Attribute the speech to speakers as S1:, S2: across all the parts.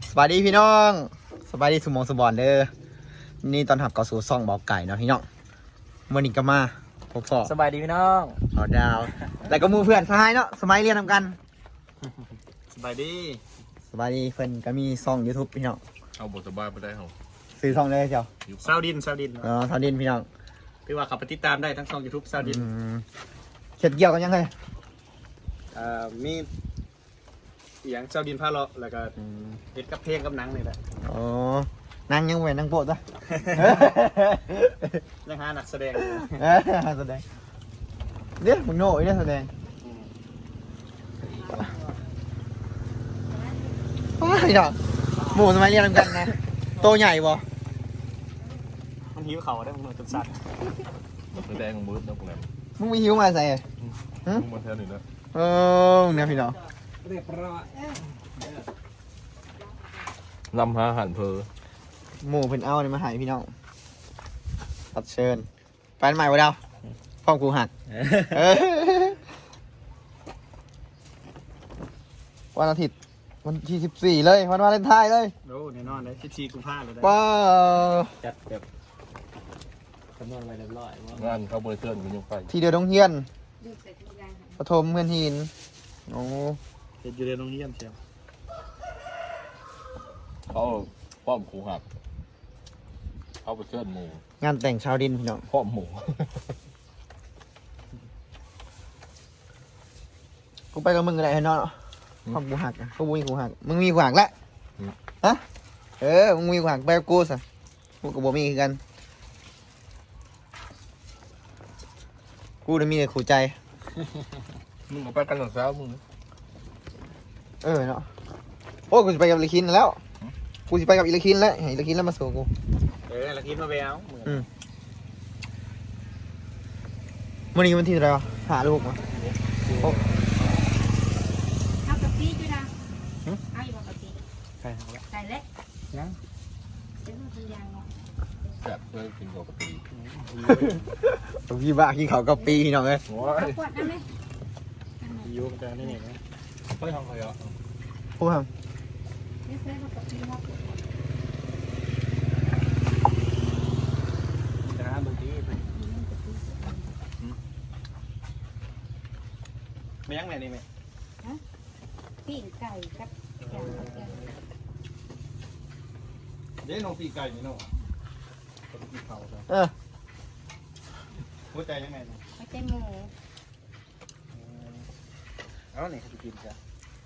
S1: สวัสดีพี่น้องสบายดีสมองสบอนเด้อนี่ตอนหับเกาสู่ซ่องบอกไก่เนาะพี่น้องวันนี้ก็มาพบพ่อ
S2: สบายดีพี่น้อง
S1: เอาดาวแล้วก็มูเพื่อนสหายเนาะสมัยเรียนทำกัน
S2: สบายดี
S1: สบายดีเพื่อนก็มีซ่อง YouTube พี่น้อง
S3: เอาบทสบายไปได้เหรอ
S1: ซื้อซ่องเลยเจ้า
S2: ซาวดิน
S1: ทาวดินพี่น้อง
S2: พี่ว่าขับไปติดตามได้ทั้งช่อง YouTube ซาวดิน
S1: เข็ดเกี่ยวกันยังไง
S2: มีเสียงซาวดินพาเลาะแล้วก็เฮ็ดกับเพลงกับหนังนี่แหละ
S1: อ๋อนั่งยังไงนั่งโปะจ้ะ
S2: ยังหานักแสดง
S1: แสดงเดี๋ยวมึงโน่เนี่ยแสดงว้ายดอกหมูสมัยเรียนทำกันนะโตใหญ่บ่
S2: มันหิวเขาได้มันจนสั่น
S3: แสดงของมืดนะพวกนั้น
S1: มึงมีหิวมาใส่
S3: มึงมาแทนหนึ่งนะ
S1: เนี่ยพี่น้อง
S2: เรียบร้อย
S3: นำหาอาหารเพอ
S1: หมูเพิ่นเอาเนี่ยมาใหายพี่น้องตัดเชิญแฟนใหม่วะดาวพ่อกูหักวันอาทิตย์วันที่14เลยวันวาเลนไทน์เลย
S2: โอ้แน่นอนเลย14 กุมภาพันธ์เลยได้
S1: ว้าว
S2: จัดแบบคำนวณไว้เรียบร้อยว่าง
S3: านเขาบริเทิร์นกันยังไป
S1: ที่เดียวต้องเฮียนปฐมเพื่อนหินโอ้
S2: เฮ็ดอยู่ในโรงเรียนเชียว
S3: เขาป้อมครูหักเขาไปเชิญหมู
S1: งานแต่งชาวดินพี่น้อง
S3: ป้อมหมู
S1: กูไปกับมึงก็ได้เนาะพ่อกูหักอะกูมีกูหักมึงมีกูหักแล้วฮะมึงมีกูหักไปกับกูสิกูกับบ่มีคือกันกูได้มีแต่ขู่ใจ
S3: มึงก็ไปกันหลังเช้ามึง
S1: เนาะโอ้กูจะไปกับอิเลคินแล้วกูจะไปกับอิเลคินแล้วให้อิเลคินแล้วมาสู่กู
S2: แล้วคิดมาแวว
S1: วันนี้วันที่เท่าไหร่วะหาลูกมา
S4: เอากะปิด้วยนะเอาอยู่บ่กะปิ
S2: ใช่ครับ
S4: ใส่เล็ก
S2: ยัง
S4: เป็นมันเป็นยางเนาะ
S3: แซ่บเลยกินกับกะปิ
S1: พี่บ้าขี้เขากับปีพี่น้องเอ้ย
S3: โอ้
S4: เอา
S3: ย
S4: ขวดนั่นไหม
S2: อยู่กันแต่นี่นี่นะ
S3: ไปทำอะไรอ่ะ
S1: พูดครับ
S4: นี่ใส่กะปิครับ
S2: จะหาบางทีไม่ยังไงนี่ไหม
S4: ปิ้งไก่กับยางกับแกง
S2: เดี๋ยวน้องปีไก่นี่เนาะปีเขาครับหัวใจยังไงนะ
S4: ไม่ใช่หมู
S2: เอาเนี่ยเขาจะกินจ้ะ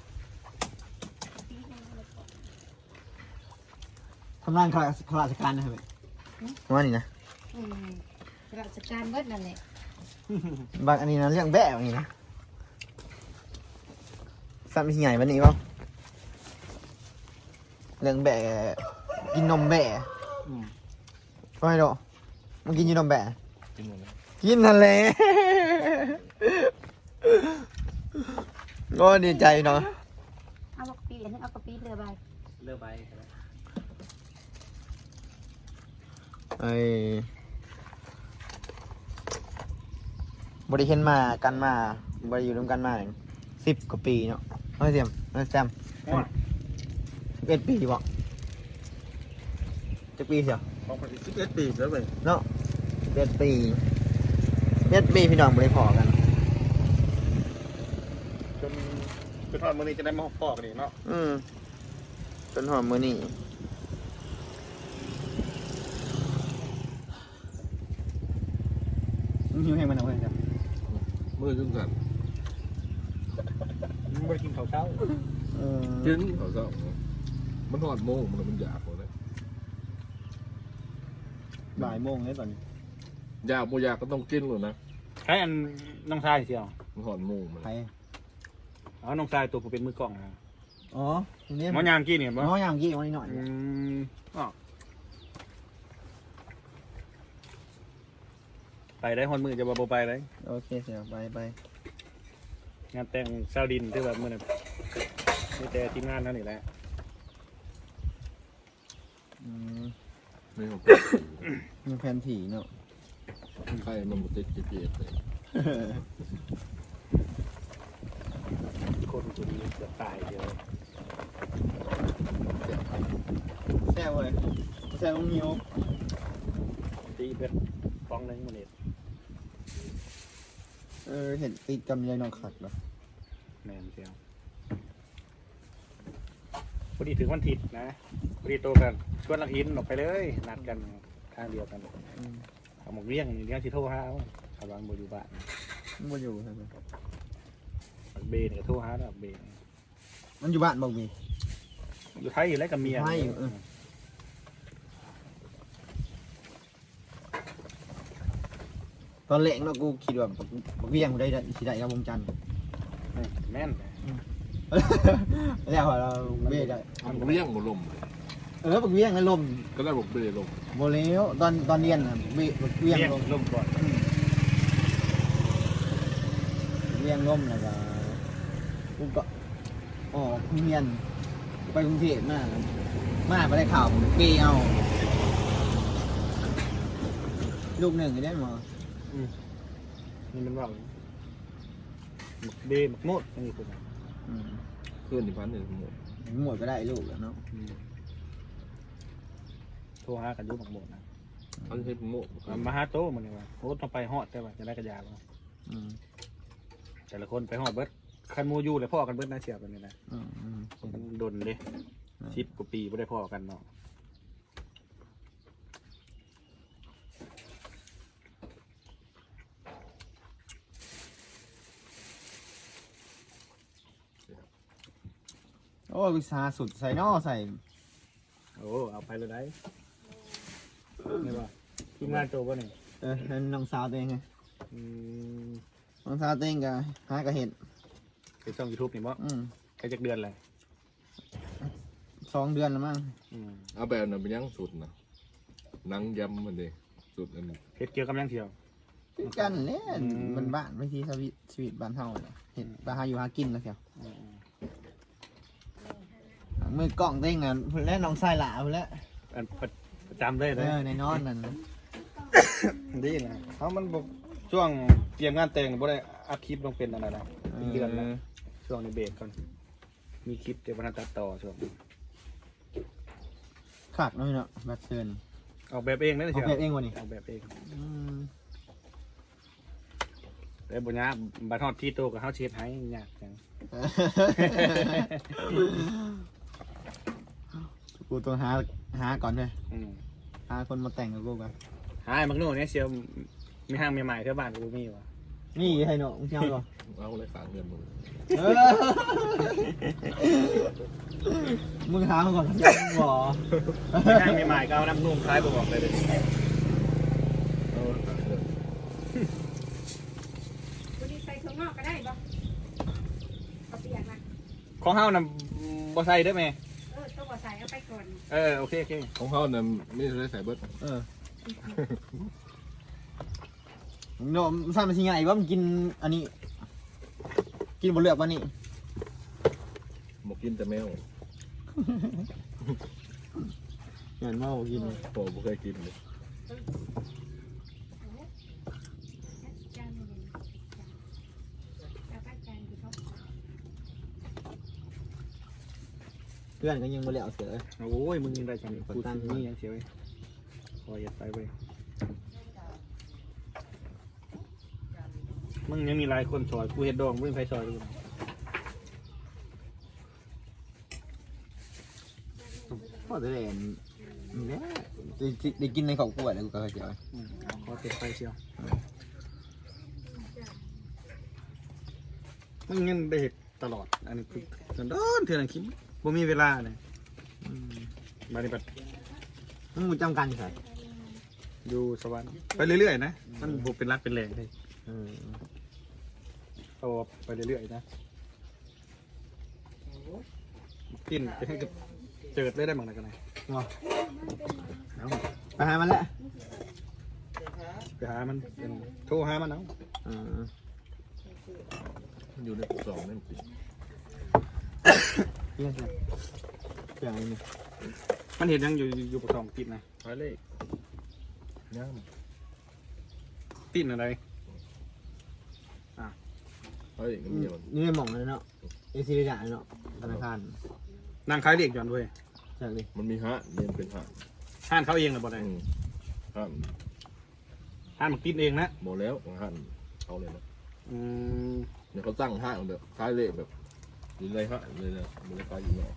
S1: ทำงานข้าราชการนะครับว่านี่นะ
S4: ราชการเบิดนั่นแหละ
S1: บางอันนี้นะเรื่องแบะอย่างนี้นะซ้ำที่ใหญ่วันนี้ป่ะเรื่องแบะกินนมแบะก็ไม่รู้มึงกินยูนมแบะ
S3: กินหมดแล้ว
S1: กินนั่นแหละก็ดีใจเนาะ
S4: เอากะปิเอากะปิเรือใบ
S2: เลือกใบ
S1: บริเห็นมากันมาบริอยู่ร่วมกันมา10 กว่าปีเนาะไม่เสียมไม่แซม11 ปีบอกจะปีเสียว
S2: ของคน11 ปีแล้วเว้ย
S1: เนาะ11 ปี11 ปีพี่น้องบริพอกัน
S2: จนทอดมื้อนี้จะได้มาพอกนี่เนาะ
S1: จนหอมมือนี่มึงหิวให้มันเอาไว้จ้ะ
S3: มือขึ้นกัน
S2: มึงไปกินข้าวเช้า
S3: กินเขาเช้ามันทอดโมงมันอยากหมดเลย
S1: บ่ายโมงเลยตอนนี้
S3: อยากโมอยากก็ต้องกินเลยนะ
S2: ใช้อันน้องชายเชียว
S3: มันทอดโมงมัน
S1: ใคร
S2: อ๋อน้องชายตัวผมเป็นมือกล้องนะ
S1: อ๋อตรงนี้
S2: หมอยางกี้เนี่ยบ่
S1: น้อยอย่างกี้วันนี้หน่อย
S2: อ๋อไปได้ฮอนมือจะบ่ไปเลย
S1: โอเคเสียไป
S2: งานแต่งซาวดินที่แบบมื้อนั้นมีแต่ทีมงานเท่านี้แหละ
S3: ไม่ของ
S1: มีแผนถี่เนาะ
S3: ใครมันมาติดเจี๊ยบเลย
S2: คนตัวนี้เกือบตายเดียว
S3: เจ็บ
S1: ซ่บเว้ยแซ่บมึงหิว
S2: ตีเป็นฟองนึงมันเด็ด
S1: เห็นติดกำไรนองขัดเหรอ
S2: แมนเชียวพอดีถึงวันอาทิตย์นะพอดีโตกันชวนลังอินออกไปเลยนัดกันข้างเดียวกันเอาหมกเลี้ยงนี่เลี้ยงชิโทรหาชาวบ้านบ่อยู่บ้าน
S1: มันอยู่ครับ
S2: เบนกับโทรหาแล้วเบน
S1: มันอยู่บ้านบอกมี
S2: อยู่ไทยอยู่แล้วกับเมีย
S1: อยู่ไทยอยู่ตอนเล็กเนาะกูคิดว่าบักเวียงกูได้สิได้กับวงจันทร์
S2: แม่น
S1: แล้วเราเบ้ได้
S3: เลี้ยงบ่ลม
S1: บักเวียงนั่นลม
S3: ก็ได้บอกเบลม
S1: โบเลี้ยวตอนเรียนน่ะบักเวียง
S2: เลี้ยง
S1: ลม
S2: ลมก่อน
S1: เวียงลมแล้วก็กูก็อ๋อเรียนไปกรุงเทพมาไปได้ข่าวเปเอาลูกหนึ่งได้หมอ
S2: นี่มันว่าหมกเบนหมกโมดนี่คือ
S3: เพื่อนที่พันเนี่ยหมด
S1: หมดก็ได้ลูกแล้วเนาะ
S2: โทรหากันยุ่หมกโมดนะ
S3: เขาจะใช้เป็นโม่
S2: มาหาโตมันเลยว่าโอ้ต้องไปฮอดแต่ว่าจะได้กระยาบ่แต่ละคนไปฮอดเบิดคันมูอยู่เลยพ่อกันเบิดน่าเสียแบบนี้นะมันดนเลย10 กว่าปีไม่ได้พ่อกันเนาะ
S1: โอ้วิชาสุดใส่นอใส่
S2: โอ้เอาไปเลยได้นี่ว่าทีมงานโตป่ะนี่
S1: น้องสาวตัวเองไงน้องสาวตัวเองก็หากระเห็ด
S2: เป็นช่อง YouTube นี่มั้งใครจักเดือนเลย
S1: 2 เดือนแล้วมั้ง
S3: เอาแบบนั้นเป็นยังสุดนะนังยำมันเด้สุดอันนี้
S2: เพชรเกี่ยวกับยังเที่ยว
S1: คือกันเนี่ยมันบ้านวิธีชีวิตบ้านเฮาเนี่ยเห็นบ้านเฮาอยู่หากินแล้วเชียวมือกล้องเต้งน่ะเพิ่นแล้วน้องชายหลาเพิ่นแล้ว
S2: อันประจำเลยเลย
S1: ในนอนนั่น
S2: ดีนะเขามันบอกช่วงเตรียมงานแต่งบ่ได้อัพคลิปลงเป็นอะไรนะเป็นเดือนแล้วช่วงในเบรกก่อนมีคลิปเดี๋ยววันตัดต่อช่วง
S1: ขาดน้อยเนาะบัดเชิญ
S2: ออกแบบเองนั่น
S1: เอา
S2: เชียว
S1: แบบเองวะนี่
S2: ออกแบบเองแต่บุญญาบัตรทอดที่โตกับเฮาเช็ดให้ยากจัง
S1: กูต้องหาก่อนเลยหาคนมาแต่งกับกูก่อน
S2: หายมักโน่เนี่ยเชียวมีห้างใหม่ๆเท่าบ้านกูมีวะ
S1: นี่ให้เนาะมึงเจ้าก่อน
S3: เอาเลยฝากเงินมึง
S1: มึงหามาก่อนมึงบอก
S2: มีห้างใหม่ๆก็เอาน้ำนุ่มคล้ายบอกเลย
S3: เอาฝากเงิน
S4: วันนี้ใส่ถุงนอกก็ได้ปะเอาเปียกนะ
S2: ของเฮานะบ่ใส่ได้ไหม
S4: ต้องใส่เอาไปก่อน
S2: โอเค
S3: ของเขาเนี่ยไม่ได้ใส่เบิร์ด
S1: โน้มสร้างมาชิงไงว่ามันกินอันนี้ กินบนเลือกวะนี่
S3: หมกกินแต่แมว
S1: เหมือนว่ากิน
S3: โอ้ไม่เคยกินเลย
S4: จานนึงเอาไปจานที่เขา
S1: เพื่อนก็ยังบนเลือกเสือ
S2: โอ้ยมึงยังได้จังกูตั้งนี่ยังเชียวคอยยัดไปเว้ยมึงยังมีหลายคนซอยกูเห็ดดองมึงไปซอยดูนะ
S1: พอจะเล่นเนี่ยได้กินในของขวดแล้วกูก็เจียว
S2: เอาขอเก็บไปเชียวมึงยังได้เห็ดตลอดอันนี้คือเถื่อนคิดบ่มีเวลาเนี่ยมาในปัด
S1: มึงจำกันใช่
S2: อยู่สวรรค์ไปเรื่อยๆนะมันบุเป็นรักเป็นแรงเลยเอาไปเรื่อยๆนะกินจะให้เจิดเลยได้บ้างนะกันไหน
S1: ว้าไปหามันแล้ว
S2: ไปหามันโทรหามันเอา
S3: มันอยู่ในกล่องนั่นสิ
S1: เพื่อนเพื่อนนี่
S2: มันเห็นยังอยู่ประกอบปิดนะ
S3: ไปเลยย่าง
S2: ปิดอะไร
S3: เฮ้ยเงี้ย
S1: นี่ไม่หม่องเลยเนาะเอซิลิดาเนาะธนาคาร
S2: นางขายเรียกย้อนด้วย
S1: จากดิ
S3: มันมีฮะเรียนเป็นฮะ
S2: ห้านเขาเองนะบ่ได้
S3: ฮะ
S2: ห้านมันกินเองนะ
S3: หมดแล้วฮะเอาเลยนะ
S2: อืม
S3: เนี่ยเขาตั้งฮะแบบคล้ายเละแบบอยู่ในฮะเลยนะมันเลยคล้ายอยู่เนาะ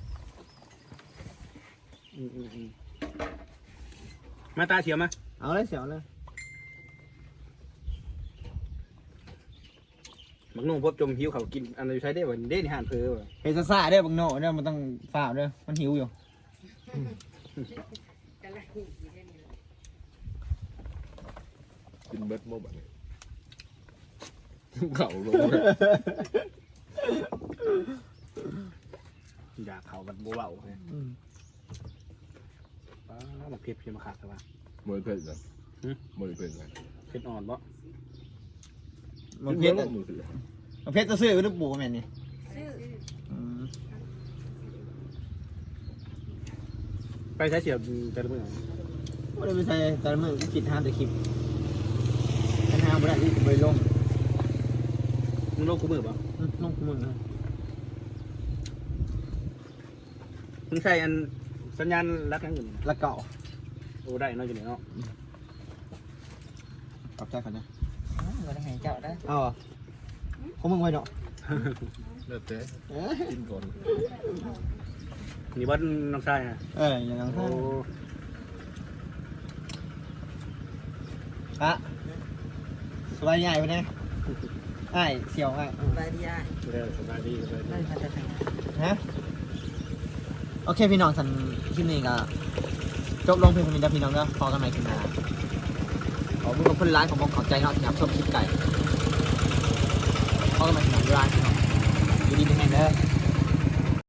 S2: มาตาเฉียวมา
S1: เอาเลยเสียวเลย
S2: บักนุ่งพบจมหิวเขากินอันนี้ใช้ได้บ่เด้นี่ห่านเพอบ่
S1: เฮซ่าเด้อบังโน่เด้อมันต้องฝ่าเด้อมันหิวอยู่
S3: กินเบ็ดโมบัดนี้เข่าลงเลย
S2: อยากเขาบัดบ่เบาเนี่ยมันเพียบมาขาดแต่ว่าม
S3: วยเผ็ดนะมวยเผ็ดนะ
S2: เผ็ดอ่อนบ่
S1: มันเพชร
S3: มือถือ
S1: มันเพชรจะซื้อหรือปูแม่นนี่
S2: ไปใช้เฉียวแต่ละมื้อ
S1: ว่าได้ไปใส่แต่ละมือก็คิดห้ามแต่คลิปกันห้ามไม่ได้ที่ไปลง
S2: มึงโลกกูมือบ่
S1: ลงมือ
S2: มึงใช้อันสัญญาณรักนั่งอยู่
S1: ละเก่า
S2: โอ้ได้เนาะอยู่นี่เนาะ
S1: ปรับใจก่อนนะ
S4: บ่ได้ให้เจ้าได้
S1: เอาของมึงไว้เนาะ
S3: เลิศเจ๊กินก่อน
S2: นี่บ่น้องชายนะ
S1: อย่างนั้น
S2: โอ้
S1: ฮะสบายใหญ่ไปเนี่ยไอ้เสี่ยวไอ้
S4: บายดีอ่ะ
S2: สบายดีสบายดี
S4: ได้มาจากไหน
S1: ฮะโอเคพี่น้องทันคลิปนี้ก็จบลงเพียงเท่านี้นะพี่น้องเนาะพอกันใหม่คลิปหน้าขอบคุณกับคนร้ายของผมขอบใจเนาะที่รับชมคลิปไก่พอกันใหม่คลิปหน้าร้านพี่น้องอยู่ดีเป็นไงเด้อ